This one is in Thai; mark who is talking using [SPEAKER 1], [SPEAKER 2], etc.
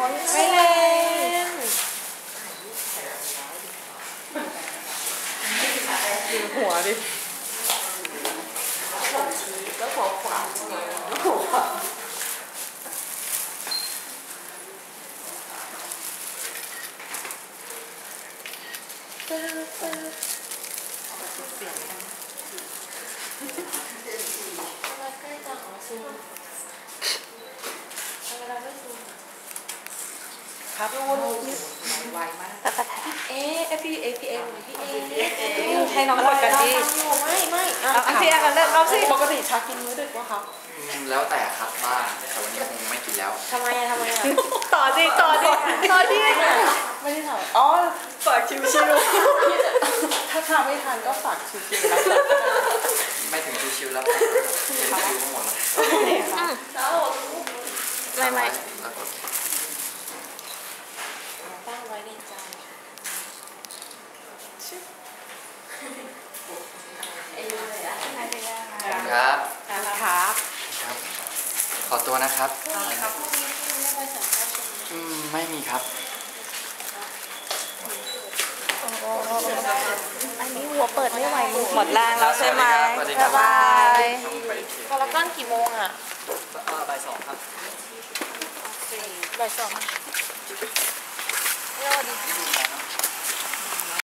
[SPEAKER 1] ไม่เล่นดูหัวดิแล้วหัวขวาแล้วหัวขวาเสียงกันใกล้จังอ๋อซูมเวลาไม่ซูมครับไวมากพี่เอให้น้องกดกันดิไม่พี่อากันเลิกเอาสิปกติชักกินมื้อดึกวะครับ
[SPEAKER 2] แล้วแต่ครับบ้างแต่วันนี้คงไม่กินแล้ว
[SPEAKER 1] ทำไมต่อดิไม่ได้ถามอ๋อฝากชิวๆถ้าทำไม่ทันก็ฝากชิวๆแล้ว
[SPEAKER 2] ไม่ถึงชิวๆแล้วชิวหมดแล้วไม่
[SPEAKER 1] ตั้งไว้ในใจ
[SPEAKER 2] ครับ
[SPEAKER 1] ครับ
[SPEAKER 2] ขอตัวนะครับไม่มีครับ
[SPEAKER 1] อันนี้หัวเปิดไม่ไหวหมดแรงแล้วใช่ไหมบ๊ายบายพอละก้อนกี่โมงอ่ะ
[SPEAKER 2] บ่าย 2ครับ
[SPEAKER 1] บ่าย 2สวัสดี